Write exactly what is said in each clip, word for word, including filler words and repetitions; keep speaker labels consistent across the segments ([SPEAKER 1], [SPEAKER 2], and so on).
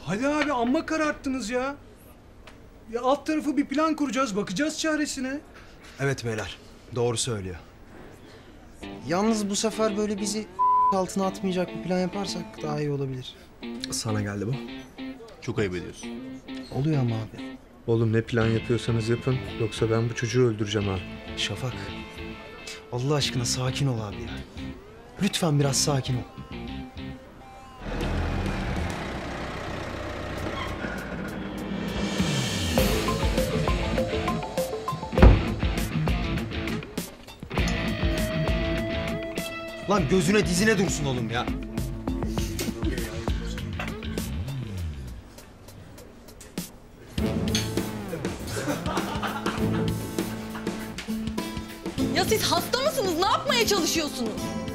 [SPEAKER 1] Hadi abi amma kararttınız ya. Ya alt tarafı bir plan kuracağız, bakacağız çaresine.
[SPEAKER 2] Evet beyler, doğru söylüyor. Yalnız bu sefer böyle bizi altına atmayacak bir plan yaparsak daha iyi olabilir.
[SPEAKER 3] Sana geldi bu.
[SPEAKER 4] Çok ayıp ediyorsun.
[SPEAKER 2] Oluyor ama abi.
[SPEAKER 3] Oğlum ne plan yapıyorsanız yapın. Yoksa ben bu çocuğu öldüreceğim ha.
[SPEAKER 2] Şafak, Allah aşkına sakin ol abi ya. Lütfen biraz sakin ol. Lan gözüne dizine dursun oğlum ya.
[SPEAKER 5] Ya siz hasta mısınız? Ne yapmaya çalışıyorsunuz?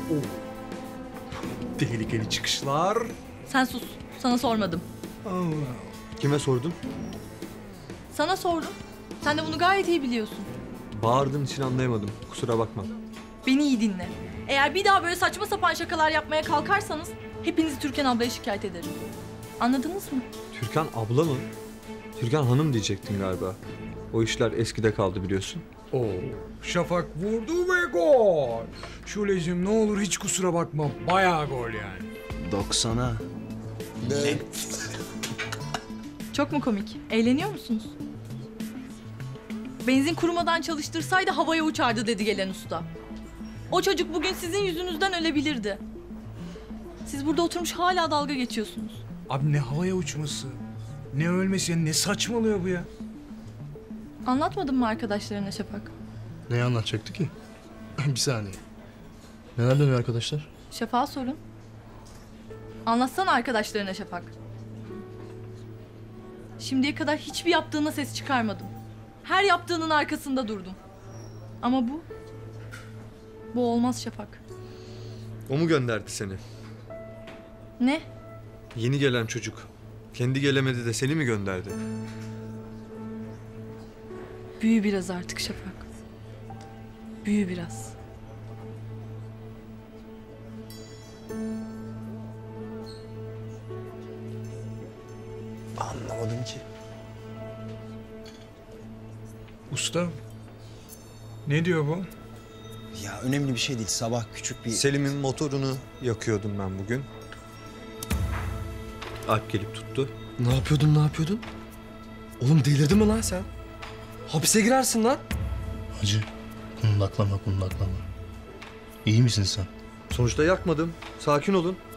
[SPEAKER 1] Tehlikeli çıkışlar.
[SPEAKER 5] Sen sus. Sana sormadım.
[SPEAKER 1] Allah.
[SPEAKER 3] Kime sordun?
[SPEAKER 5] Sana sordum. Sen de bunu gayet iyi biliyorsun.
[SPEAKER 3] Bağırdığın için anlayamadım. Kusura bakma.
[SPEAKER 5] Beni iyi dinle. Eğer bir daha böyle saçma sapan şakalar yapmaya kalkarsanız hepinizi Türkan ablaya şikayet ederim. Anladınız mı?
[SPEAKER 3] Türkan abla mı? Türkan hanım diyecektin galiba. O işler eskide kaldı biliyorsun.
[SPEAKER 1] Oo. Şafak vurdu ve gol. Şulecim ne olur hiç kusura bakma. Bayağı gol yani.
[SPEAKER 2] Doksana.
[SPEAKER 5] Çok mu komik? Eğleniyor musunuz? Benzin kurumadan çalıştırsaydı havaya uçardı dedi gelen usta. O çocuk bugün sizin yüzünüzden ölebilirdi. Siz burada oturmuş hala dalga geçiyorsunuz.
[SPEAKER 1] Abi ne havaya uçması, ne ölmesi, ne saçmalıyor bu ya?
[SPEAKER 5] Anlatmadın mı arkadaşlarına Şafak?
[SPEAKER 4] Neyi anlatacaktı ki? Bir saniye. Neler dönüyor arkadaşlar?
[SPEAKER 5] Şafak'a sorun. Anlatsana arkadaşlarına Şafak. Şimdiye kadar hiçbir yaptığına ses çıkarmadım. Her yaptığının arkasında durdum. Ama bu... Bu olmaz Şafak.
[SPEAKER 3] O mu gönderdi seni?
[SPEAKER 5] Ne?
[SPEAKER 3] Yeni gelen çocuk. Kendi gelemedi de seni mi gönderdi?
[SPEAKER 5] Büyü biraz artık Şafak. Büyü biraz.
[SPEAKER 2] Anlamadım ki.
[SPEAKER 1] Usta, ne diyor bu?
[SPEAKER 2] Ya önemli bir şey değil. Sabah küçük bir...
[SPEAKER 3] Selim'in motorunu yakıyordum ben bugün. Alp gelip tuttu.
[SPEAKER 6] Ne yapıyordun, ne yapıyordun? Oğlum delirdin mi lan sen? Hapise girersin lan.
[SPEAKER 4] Hacı, kundaklama kundaklama. İyi misin sen?
[SPEAKER 3] Sonuçta yakmadım. Sakin olun.